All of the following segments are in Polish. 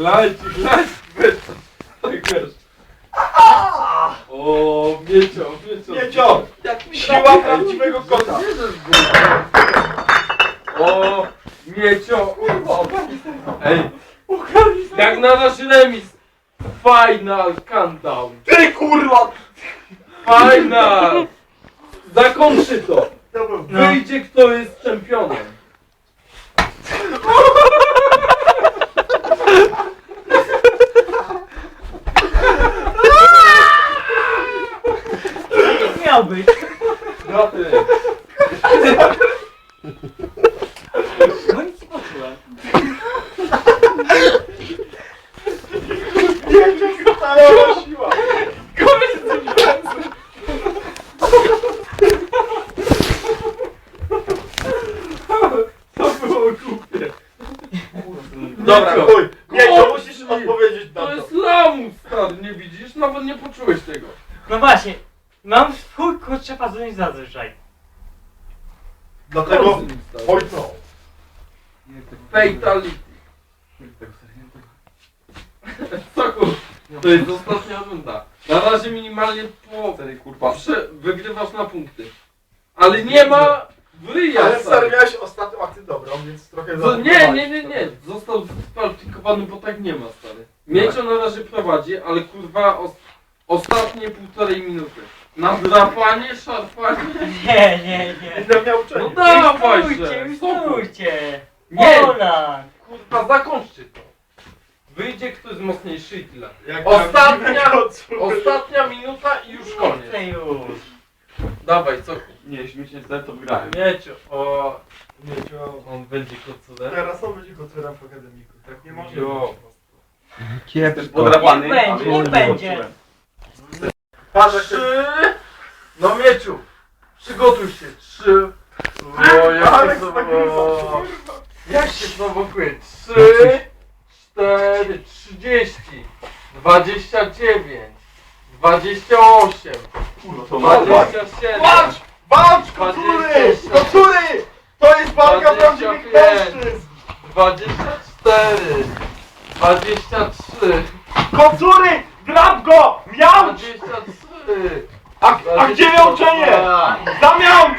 Lajcik, weź. Tak wiesz. O, Miecio. Siła prawdziwego kota. O, Miecio. Ej, jak na nasz remis. Final countdown. Ty kurwa! Final. Zakończy to. No. Wyjdzie kto jest czempionem. Nie miał być. No ty. No nic nie poczułem. Stała siła. To było głupie. Dobra, chuj. Miecio, musisz odpowiedzieć na To to. jest lamus, stary, nie widzisz? Nawet nie poczułeś tego. No właśnie. Mam w chuj kurczę pazuń zazwyczaj. Dlatego... Oj no. Fatality. Soku, to jest ostatnia runda. Na razie minimalnie po... Wygrywasz na punkty. Ale nie ma wyja, Ale stary, miałeś ostatnią akcję dobrą, więc trochę Nie. Został skwalifikowany, bo tak nie ma, stary. Miecio na razie prowadzi, ale kurwa ostatnie 1,5 minuty. Na drapanie, szarpanie. Nie. Będę miał uczenie. No dawaj Stójcie, się. stójcie. Nie. Pola. Kurwa, zakończcie to. Wyjdzie ktoś mocniejszy i tyle. Jak Ostatnia minuta i już koniec. Chcę już. Dawaj, co? Nie, śmiesznie stary, to wygrałem. Mieciu, o... Miecio. On będzie kocurem. Teraz on będzie kocurem w akademiku. Tak nie może Jo. być. Jestem podrapany, Niech będzie, ale niech nie będzie. poczułem. Patrz jak Trzy... No Mieciu, przygotuj się. 3... O, jak Aleks się nagrywa. Jak się prowokuje? 3... 4... 30... 29... 28... Kurwa, to ma 27... Walcz! Walcz, kocury! Kocury! To jest walka 25. prawdziwych mężczyzn! 24... 23... Kocury! Grab go! Miałcz! 23... A gdzie miałczenie? Zamiałcz!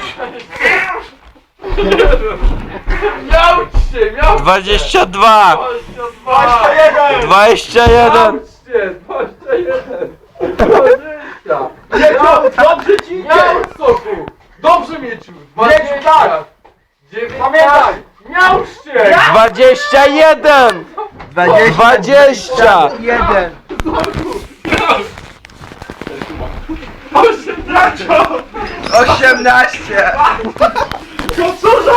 Miałcz się! 22! 21! 21! 21! 20! Miecio, dobrze ci idzie! Miał soku! Dobrze Mieciu! 20! tak. 19! Pamiętaj! Miał się! 21! 20! 18! Kocurze!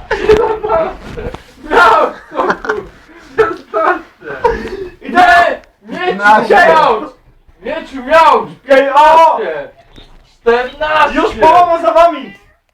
Miał soku! 16! Idę! Mieciu miał! Mieciu miał! O! 14! Już połowa za wami!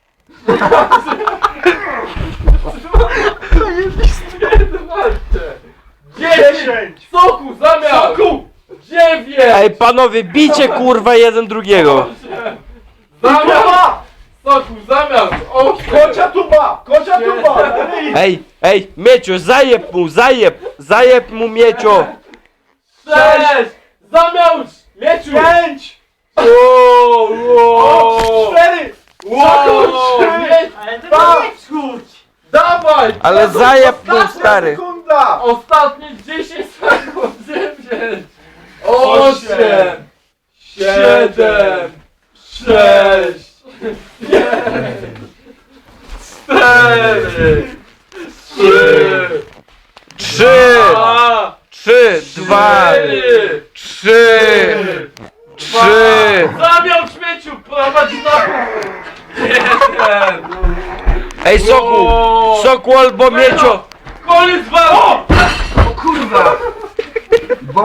10! Soku zamiast! Soku! 9! Ej panowie, bijcie kurwa jeden drugiego! Zamiast! Tuba! Soku zamiast! 8! Kocia tuba! Kocia tuba! Ej, Mieciu, zajeb mu Miecio! 6! Zamiast! Mieciu! 5! Wow! 4! Ale to Dwa. nie czuć. Dawaj! Ale zajeb mu stary! Sekunda! Ostatnie 10 sekund! 9! 8, 7! 6! 5! 4! 3! 2! 3, 2, 3, 3! Zamiał śmieciu! Prowadzi na... 1! Ej Soku! Soku albo Miecio! Koniec walki! O kurwa!